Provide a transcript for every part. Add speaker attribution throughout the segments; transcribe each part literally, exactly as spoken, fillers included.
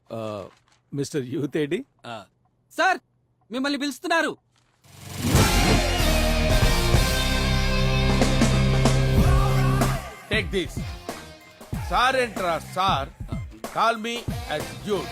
Speaker 1: Mister youth AD?
Speaker 2: Sir మిమ్మల్ని పిలుస్తున్నారు.
Speaker 3: Take this. Sir ఎంట్రా sir. Call me as youth.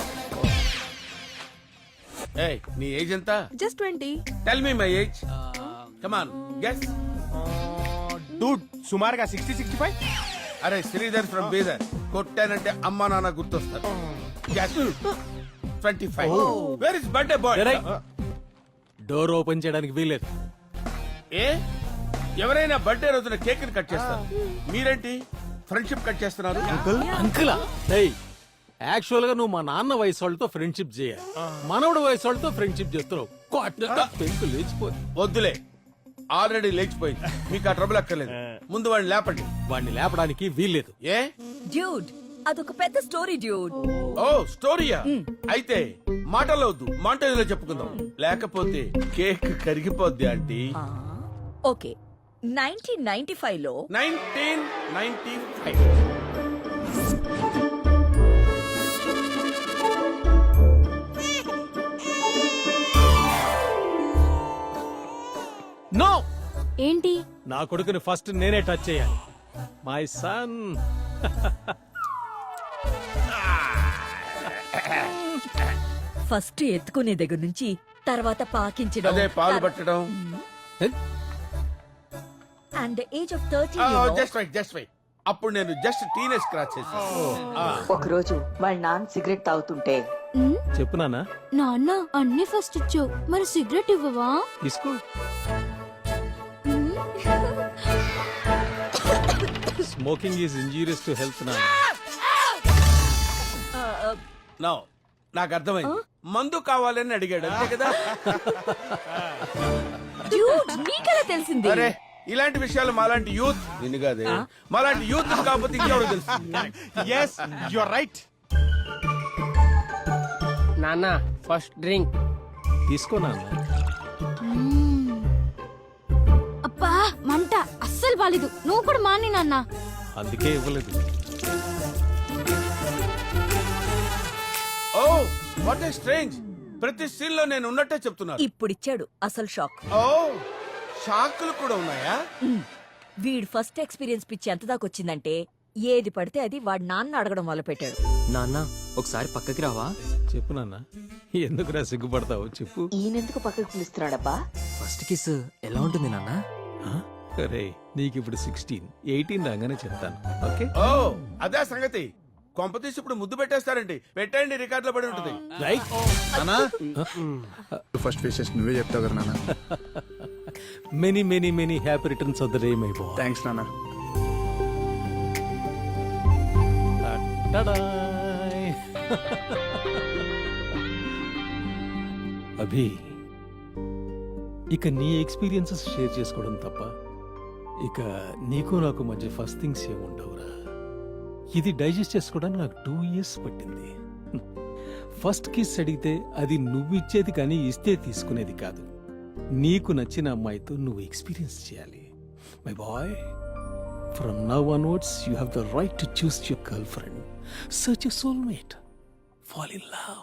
Speaker 3: ఏయ్, నీ ఏజ్ ఎంత?
Speaker 4: Just twenty.
Speaker 3: Tell me my age. Come on guess.
Speaker 5: Dude సుమారుగా sixty sixty five.
Speaker 3: అరే Sridhar from Bidar. కొట్టానంటే అమ్మా నాన్న గుర్తొస్తారు. Twenty five. Where is birthday boy?
Speaker 1: Door open చేయడానికి వీలేదు.
Speaker 3: ఏ ఎవరైనా బర్త్డే రోజున కేక్ ని కట్ చేస్తారు, మీరేంటి ఫ్రెండ్షిప్ కట్ చేస్తున్నారు?
Speaker 1: అంకులా యాక్చువల్ గా నువ్వు మా నాన్న వయసు వాళ్ళతో ఫ్రెండ్షిప్ చేయాలి. మనవడు వయసు వాళ్ళతో ఫ్రెండ్షిప్ చేస్తున్నావు. పెంకు లేచిపోయి.
Speaker 3: వద్దులే, ఆల్రెడీ లేచిపోయింది. మీకు ఆ ట్రబుల్ అక్కర్లేదు. ముందు వాడిని లేపండి.
Speaker 1: వాడిని లేపడానికి వీల్లేదు.
Speaker 3: ఏ
Speaker 4: డ్యూడ్ అదొక పెద్ద స్టోరీ డ్యూడ్.
Speaker 3: ఓ స్టోరీయా? అయితే మాటలో వద్దు, మాంటేజ్లో చెప్పుకుందాం. లేకపోతే కేక్ కరిగిపోద్ది aunty.
Speaker 4: Okay, nineteen ninety five లో
Speaker 3: నైన్టీన్ నైన్టీ ఫైవ్
Speaker 1: నో.
Speaker 6: ఏంటి?
Speaker 1: నా కొడుకుని ఫస్ట్ నేనే టచ్ చేయాలి. My son.
Speaker 4: ఫస్ట్ ఎత్తుకునే దగ్గర నుంచి తర్వాత పాకించడం,
Speaker 3: అదే పాలు పట్టడం.
Speaker 4: And age of thirty.
Speaker 3: Just right just right. అప్పుడు నేను జస్ట్ టీనేజ్ క్రాస్ చేశాను.
Speaker 7: ఒక రోజు వాళ్ళ నాన్న సిగరెట్ తాగుతుంటే,
Speaker 1: చెప్పు నాన్న.
Speaker 6: నాన్న అన్ని ఫస్ట్ ఇచ్చావు, మరి సిగరెట్ ఇవ్వవా?
Speaker 1: తీసుకో. Smoking is injurious to health. నా
Speaker 3: నో, నాకు అర్థమైంది. మందు కావాలని అడిగాడు అంతే కదా.
Speaker 4: డ్యూడ్ నీకెలా తెలిసింది?
Speaker 3: అరే ఇలాంటి విషయాలు మాలాంటి యూత్, నిన్ను కాదే, మాలాంటి యూత్ కాకపోతే ఇంకెవరు తెలుసు.
Speaker 5: yes you are right.
Speaker 2: నాన్న ఫస్ట్ డ్రింక్
Speaker 1: తీసుకో నాన్న.
Speaker 6: అబ్బా మంట అస్సలు బాలేదు. నువ్వు కూడా మాని నాన్న.
Speaker 1: అందుకే ఇవ్వలేదు.
Speaker 3: Oh what a strange. ప్రతి సీన్ లో నేను ఉన్నట్టే చెప్తున్నాను.
Speaker 4: ఇప్పుడు ఇచ్చాడు అసలు షాక్.
Speaker 3: ఓ షాకులు కూడా ఉన్నాయా?
Speaker 4: వీడు ఫస్ట్ ఎక్స్పీరియన్స్ పిచ్చి ఎంత దాకా వచ్చిందంటే ఏది పడితే అది వాడు నాన్న అడగడం మొదలు పెట్టాడు.
Speaker 2: నాన్న ఒకసారి పక్కకి రావా?
Speaker 1: చెప్పు నాన్న. ఎందుకురా సిగ్గుపడతావు? చెప్పు.
Speaker 7: ఈయనెందుకు పక్కకు పిలుస్తున్నాడబ్బా?
Speaker 2: ఫస్ట్ కిస్ ఎలా ఉంటుంది నాన్న?
Speaker 1: అరే నీకు ఇప్పుడు సిక్స్టీన్, ఎయిటీన్ రాగానే చెప్తాను. ఓకే.
Speaker 3: ఓ అదే సంగతి. కొంపతీసి ఇప్పుడు ముద్దు పెట్టేస్తారండి. పెట్టండి, రికార్డ్ లో పడి ఉంటుంది.
Speaker 1: రైట్.
Speaker 5: ఫస్ట్ ఫేసెస్ నువ్వే చెప్తావు కదా నాన్న.
Speaker 1: Many many many happy returns of the day my boy.
Speaker 5: Thanks నాన్న.
Speaker 1: అభి, ఇక నీ ఎక్స్పీరియన్సెస్ షేర్ చేసుకోవడం తప్ప ఇక నీకు నాకు మధ్య ఫస్ట్ థింగ్స్ ఏముండవురా. ఇది డైజెస్ట్ చేసుకోవడానికి నాకు టూ ఇయర్స్ పట్టింది. ఫస్ట్ కిస్ అడిగితే అది నువ్వు ఇచ్చేది కానీ ఇస్తే తీసుకునేది కాదు. నీకు నచ్చిన అమ్మాయితో నువ్వు ఎక్స్పీరియన్స్ చేయాలి my boy. From now onwards you have the right to choose your girlfriend, search your soulmate, fall in love.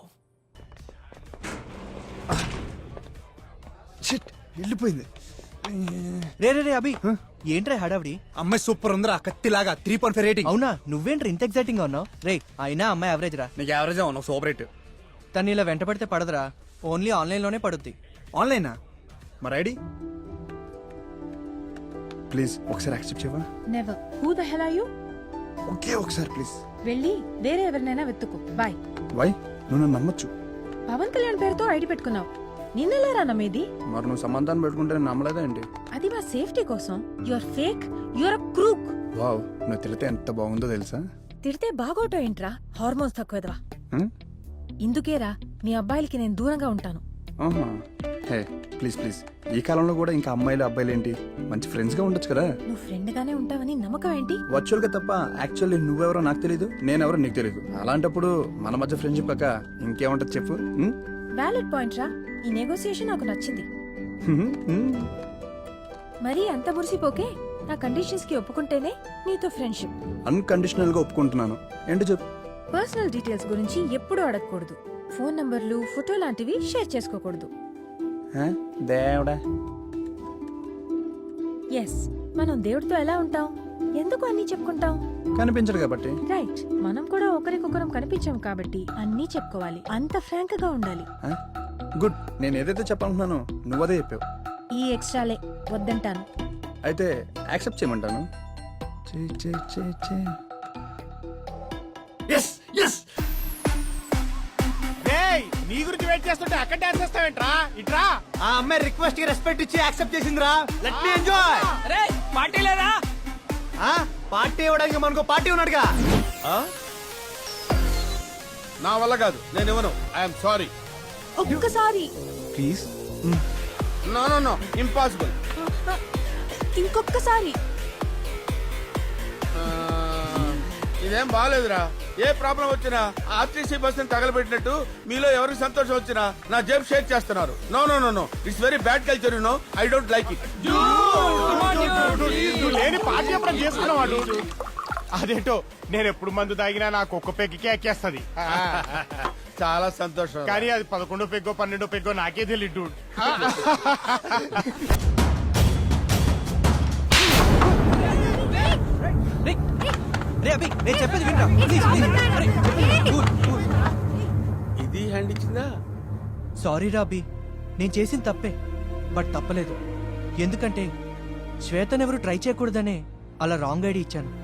Speaker 5: Shit వెళ్ళిపోయింది.
Speaker 8: రే రే రే అభి, ఏంట్రా హడావిడి?
Speaker 5: అమ్మాయి సూపర్ ఉందిరా, కత్తిలాగా త్రీ పాయింట్ ఫైవ్ రేటింగ్.
Speaker 8: అవునా? నువ్వేంట్రా ఇంత ఎగ్జైటింగ్ గా ఉన్నావు? రే అయినా అమ్మాయి యావరేజ్ రా.
Speaker 5: నీకు యావరేజ్ ఉన్నావు, సూపర్ రేట్.
Speaker 8: తను ఇలా వెంట పడితే పడదురా, ఓన్లీ ఆన్లైన్ లోనే పడుద్ది.
Speaker 5: ఆన్లైనా? మరి ఐడి ప్లీజ్ ఒకసారి యాక్సెప్ట్ చేయవా?
Speaker 9: Never. Who the hell are you?
Speaker 5: Okay ఒకసారి ప్లీజ్.
Speaker 9: వెళ్ళి వేరే ఎవరినైనా వెతుకు. బాయ్.
Speaker 5: వై? నువ్వు నన్ను నమ్మొచ్చు.
Speaker 9: పవన్ కళ్యాణ్ పేరుతో ఐడి పెట్టుకున్నావు, నిన్నెలారా నమ్మేది?
Speaker 5: మరి నువ్వు సంబంధాన్ని పెట్టుకుంటే నేను నమ్మలేదా ఏంటి?
Speaker 9: అది మా సేఫ్టీ కోసం. Your fake, your a crook.
Speaker 5: Wow, నువ్వు తిడితే ఎంత బాగుందో తెలుసా?
Speaker 9: తిడితే బాగోటో ఏంట్రా? హార్మోన్స్ తక్కువదవా.
Speaker 5: హ్మ్?
Speaker 9: ఇందుకేరా మీ అబ్బాయిలకి నేను దూరంగా ఉంటాను.
Speaker 5: ఆహా. హే ప్లీజ్ ప్లీజ్, ఈ కాలంలో కూడా ఇంకా అమ్మాయిలు అబ్బాయిలు ఏంటి, మంచి ఫ్రెండ్స్ గా ఉండొచ్చు కదా.
Speaker 9: నువ్వు ఫ్రెండ్ గానే ఉంటావని నమ్మకం ఏంటి?
Speaker 5: వర్చువల్ గా తప్ప యాక్చువల్లీ నువ్వెవరో నాకు తెలీదు, నేనెవరో నీకు తెలీదు. అలాంటప్పుడు మన మధ్య ఫ్రెండ్షిప్ కాక ఇంకేముంటది చెప్పు? హ్మ్?
Speaker 9: వ్యాలిడ్ పాయింట్ రా. ఈ నెగోసియేషన్ నాకు నచ్చింది.
Speaker 5: హ్మ్, హ్మ్.
Speaker 9: మరీ అంత మురిసిపోకే. నా కండిషన్స్ కి ఒప్పుకుంటేనే నీతో ఫ్రెండ్షిప్.
Speaker 5: అన్కండిషనల్ గా ఒప్పుకుంటున్నాను. ఏంటి చెప్పు?
Speaker 9: పర్సనల్ డీటెయిల్స్ గురించి ఎప్పుడూ అడగకూడదు. ఫోన్ నంబర్లు, ఫోటో లాంటివి షేర్ చేసుకోకూడదు.
Speaker 5: హ? దేవుడా.
Speaker 9: ఎస్, మనం దేవుడితో ఎలా ఉంటాం? ఎందుకు అన్నీ చెప్పుకుంటాం?
Speaker 5: కనిపించడు కాబట్టి.
Speaker 9: రైట్, మనం కూడా ఒకరికొకరం కనిపించాం కాబట్టి అన్నీ చెప్పుకోవాలి. అంత ఫ్రాంక్ గా ఉండాలి.
Speaker 5: హ? గుడ్. నేను ఏదైతే చెప్పాలనుకున్నానో నువ్వు అదే చెప్పావు.
Speaker 9: ఈ ఎక్స్ట్రాలే వద్దంటాను.
Speaker 5: అయితే యాక్సెప్ట్ చేయమంటాను. చే చే చే చే.
Speaker 3: నీ గురించి వెయిట్ చేస్తుంటే అక్కడ డాన్స్ చేస్తావేంట్రా? ఇట్రా.
Speaker 8: ఆ అమ్మాయి రిక్వెస్ట్ కి రెస్పెక్ట్ ఇచ్చి యాక్సెప్ట్ చేసిందిరా. Let me enjoy.
Speaker 2: అరే పార్టీ లేదా?
Speaker 8: పార్టీ ఇవ్వడానికి మనకు పార్టీ ఉన్నాడుగా.
Speaker 3: ఆ? నా వల్ల కాదు, నేను ఇవ్వను. I'm sorry.
Speaker 9: ఒక్కసారి,
Speaker 5: please.
Speaker 3: No no no, impossible.
Speaker 9: ఇంకొక్కసారి.
Speaker 3: ఇదేం బాగాలేదురా. ఏ ప్రాబ్లం వచ్చినా ఆర్టీసీ బస్సుని తగలబెట్టినట్టు మీలో ఎవరికి సంతోషం వచ్చినా నా జేబు షేర్ చేస్తున్నారు. No no no no, it's very bad culture. No, I don't like it.
Speaker 10: లేని పార్టీ ఎప్పుడు చేసుకున్నవాడు. అదేంటో నేను ఎప్పుడు మందు తాగినా నాకు ఒక్క పెగ్గికే ఎక్కేస్తుంది.
Speaker 3: చాలా సంతోషం.
Speaker 10: కానీ అది పదకొండో పెగ్గో పన్నెండో పెగ్గో నాకే తెలియదు.
Speaker 8: రే అభి, నేను చెప్పేది వినరా ప్లీజ్ ప్లీజ్.
Speaker 3: ఇది హ్యాండ్ ఇచ్చిందా?
Speaker 8: సారీ రా అభి, నేను చేసిన తప్పే. బట్ తప్పలేదు. ఎందుకంటే శ్వేతనెవరు ట్రై చేయకూడదనే అలా రాంగ్ ఐడి ఇచ్చాను.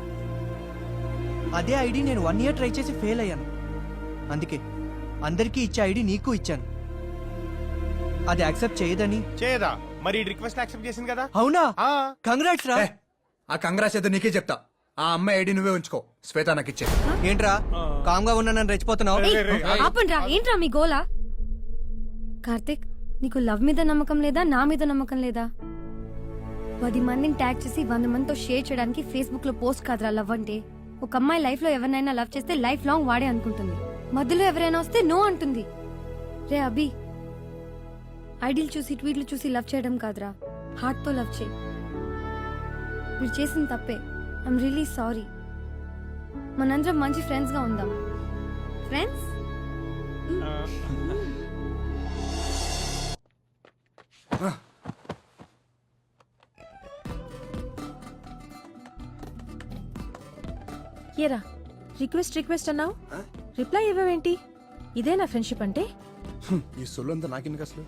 Speaker 8: అదే ఐడి నేను వన్ ఇయర్ ట్రై చేసి ఫెయిల్ అయ్యాను. అందుకే అందరికీ ఇచ్చే ఐడి నీకు ఇచ్చాను. అది యాక్సెప్ట్ చేయదని.
Speaker 10: చేయదా? మరి రిక్వెస్ట్ యాక్సెప్ట్ చేసింది కదా.
Speaker 8: అవునా?
Speaker 10: ఆ.
Speaker 8: కంగ్రాట్స్ రా.
Speaker 5: ఆ కంగ్రాట్స్ అయితే నీకే చెప్తా. ఆ అమ్మాయి ఐడి నువ్వే ఉంచుకో. శ్వేత నాకు ఇచ్చే.
Speaker 8: ఏంట్రా కామ్గా ఉన్నా నన్ను రెచ్చిపోతున్నావు?
Speaker 6: ఆపండ్రా, ఏంట్రా మీ గోలా? కార్తిక్, నీకు లవ్ మీద నమ్మకం లేదా, నా మీద నమ్మకం లేదా? పది మందిని ట్యాగ్ చేసి వంద మందితో షేర్ చేయడానికి ఫేస్బుక్ లో పోస్ట్ కాదురా లవ్ అంటే. ఒక అమ్మాయి లైఫ్ లో ఎవరినైనా లవ్ చేస్తే లైఫ్ లాంగ్ వాడే అనుకుంటుంది. మధ్యలో ఎవరైనా వస్తే నో అంటుంది. రే అభి, ఐడియల్ చూసి ట్వీట్లు చూసి లవ్ చేయడం కాదురా, హార్ట్ తో లవ్ చేయి. మీరు చేసిన తప్పే. I'm really sorry. మనందరం మంచి ఫ్రెండ్స్ గా ఉందాం. ఫ్రెండ్స్?
Speaker 9: ఏరా, రిక్వెస్ట్ రిక్వెస్ట్ అన్నావు, రిప్లై ఇవ్వవేంటి? ఇదేనా ఫ్రెండ్షిప్ అంటే?
Speaker 5: ఈ సొల్లు అంతా నాకెందుకు అసలు?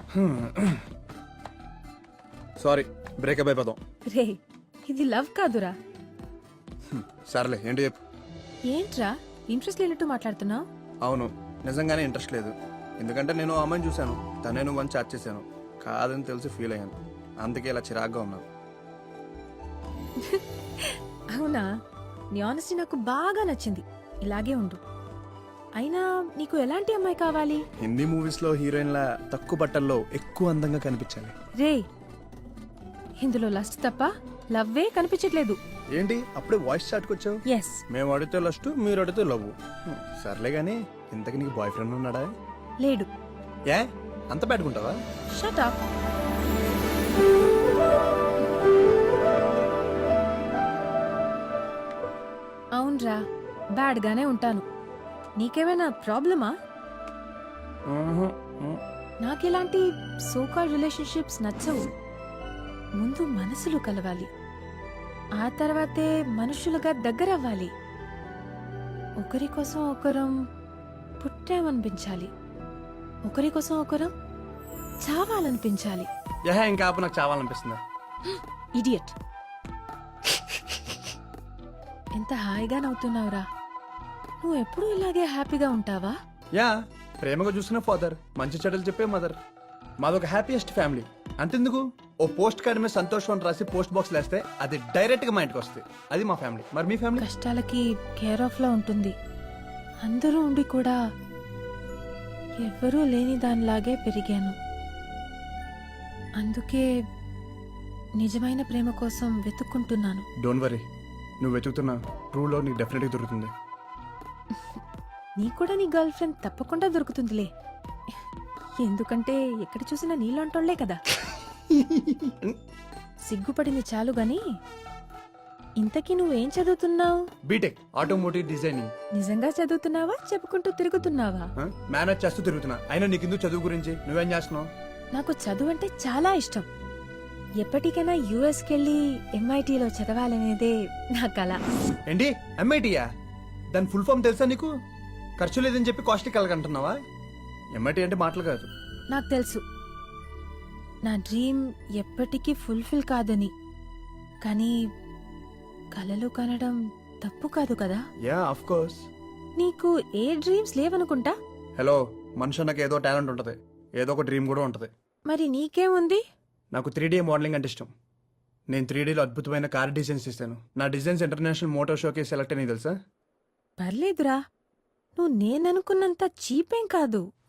Speaker 5: సారీ, బ్రేకప్ అయిపోదాం.
Speaker 9: రే, ఇది లవ్ కాదురా.
Speaker 5: సర్లే, ఏంటి చెప్పు.
Speaker 9: ఏంట్రా ఇంట్రెస్ట్ లేనట్టు మాట్లాడుతున్నావు?
Speaker 5: అవును, నిజంగానే ఇంట్రెస్ట్ లేదు. ఎందుకంటే నేను ఆ అమ్మాయిని చూశాను, తనే నువ్వు అని చాట్ చేశాను. కాదని తెలిసి ఫీల్ అయ్యాను. అందుకే ఇలా చిరాగ్గా ఉన్నాను.
Speaker 9: అవునా? నీ ఆనెస్టీ నాకు బాగా నచ్చింది. ఇలాగే ఉండు. అయినా నీకు ఎలాంటి అమ్మాయి కావాలి?
Speaker 5: హిందీ మూవీస్ లో హీరోయిన్ల తక్కువ బట్టల్లో ఎక్కువ అందంగా కనిపించాలి.
Speaker 9: రే, ఇందులో లస్ట్ తప్ప లవ్వే కనిపించట్లేదు.
Speaker 5: ఏంటి అప్పుడే వాయిస్ చాట్కొచ్చావు?
Speaker 9: ఎస్.
Speaker 5: మేము అడిగితే లస్ట్, మీరు అడిగితే లవ్. సర్లే గానీ, ఇంతకి నీకు బాయ్ ఫ్రెండ్ ఉన్నాడా?
Speaker 9: లేడు.
Speaker 5: ఏ అంత పెట్టుకుంటావా?
Speaker 9: Shut up. అవునరా, బ్యాడ్ గానే ఉంటాను. నీకేమైనా ప్రాబ్లమా? నాకెలాంటి సోకాల్ రిలేషన్షిప్స్ నచ్చవు. ముందు మనసులు కలవాలి, ఆ తర్వాతే మనుషులుగా దగ్గరవ్వాలి. ఒకరి కోసం ఒకరం పుట్టామనిపించాలి, ఒకరి కోసం ఒకరం చావాలనిపించాలి.
Speaker 5: యహ ఇంకా ఆపు, నాకు చావాలనిపిస్తుంది.
Speaker 9: ఇడియట్. ఎంత హాయిగా నవ్వుతున్నావురా. నువ్వు ఎప్పుడూ ఇలాగే హ్యాపీగా ఉంటావా?
Speaker 5: యా, ప్రేమగా చూసిన ఫాదర్, మంచి చెడ్డలు చెప్పే మదర్. మాదొక happiest family. అంతెందుకు, ఓ పోస్ట్ కార్డ్ మీద సంతోషం అని రాసి పోస్ట్ బాక్స్ లేస్తే అది డైరెక్ట్ గా మా ఇంటికి వస్తుంది. అది మా ఫ్యామిలీ. మరి మీ ఫ్యామిలీ?
Speaker 9: కష్టాలకి కేర్ ఆఫ్ లా ఉంటుంది. అందరూ ఉండి కూడా ఎవ్వరూ లేని దానిలాగే పెరిగాను. అందుకే నిజమైన ప్రేమ కోసం వెతుక్కుంటున్నాను.
Speaker 5: డోంట్ వరీ, నువ్వు వెతుకుతున్నా ట్రూ లవ్ నీకు డెఫినెట్గా దొరుకుతుంది.
Speaker 9: నీకు కూడా నీ గర్ల్ ఫ్రెండ్ తప్పకుండా దొరుకుతుందిలే. ఎందుకంటే ఎక్కడ చూసినా నీళ్ళంటోళ్లే కదా. సిగ్గుపడింది చాలు గాని ఇంతకీ నువ్వేం చదువుతున్నావు?
Speaker 5: BTech automotive designing.
Speaker 9: నిజంగా చదువుతున్నావా చెప్పుకుంటూ తిరుగుతున్నావా?
Speaker 5: మేనేజ్ చేస్తూ తిరుగుతున్నా. అయినా నీకు ఎందుకు చదువు గురించి? నువ్వేం చేస్తున్నావు?
Speaker 9: నాకు చదువు అంటే చాలా ఇష్టం. ఎప్పటికైనా యుఎస్కి వెళ్ళి ఎంఐటీలో చదవాలనేదే నా కల.
Speaker 5: ఏంటి ఎంఐటీయా? దాని ఫుల్ ఫామ్ తెలుసా నీకు? ఖర్చు లేదని చెప్పి కాస్ట్లీ కలగంటున్నావా? ఎంఐటీ అంటే మాటలు కాదు.
Speaker 9: నాకు తెలుసు నా డ్రీమ్ ఎప్పటికీ ఫుల్ఫిల్ కాదని, కానీ కలలు కనడం తప్పు కాదు కదా?
Speaker 5: Yeah of course.
Speaker 9: నీకు ఏ డ్రీమ్స్ లేవనుకుంటా.
Speaker 5: హలో, మనిషి నాకు ఏదో టాలెంట్ ఉంటది, ఏదో ఒక డ్రీమ్ కూడా ఉంటది.
Speaker 9: మరి నీకేముంది?
Speaker 5: నాకు త్రీ డీ మోడలింగ్ అంటే ఇష్టం. నేను త్రీ డీలో అద్భుతమైన కార్ డిజైన్స్ ఇస్తాను. నా డిజైన్స్ ఇంటర్నేషనల్ మోటార్ షోకి సెలెక్ట్ అని తెలుసా?
Speaker 9: పర్లేదురా, నువ్వు నేననుకున్నంత చీపేం కాదు.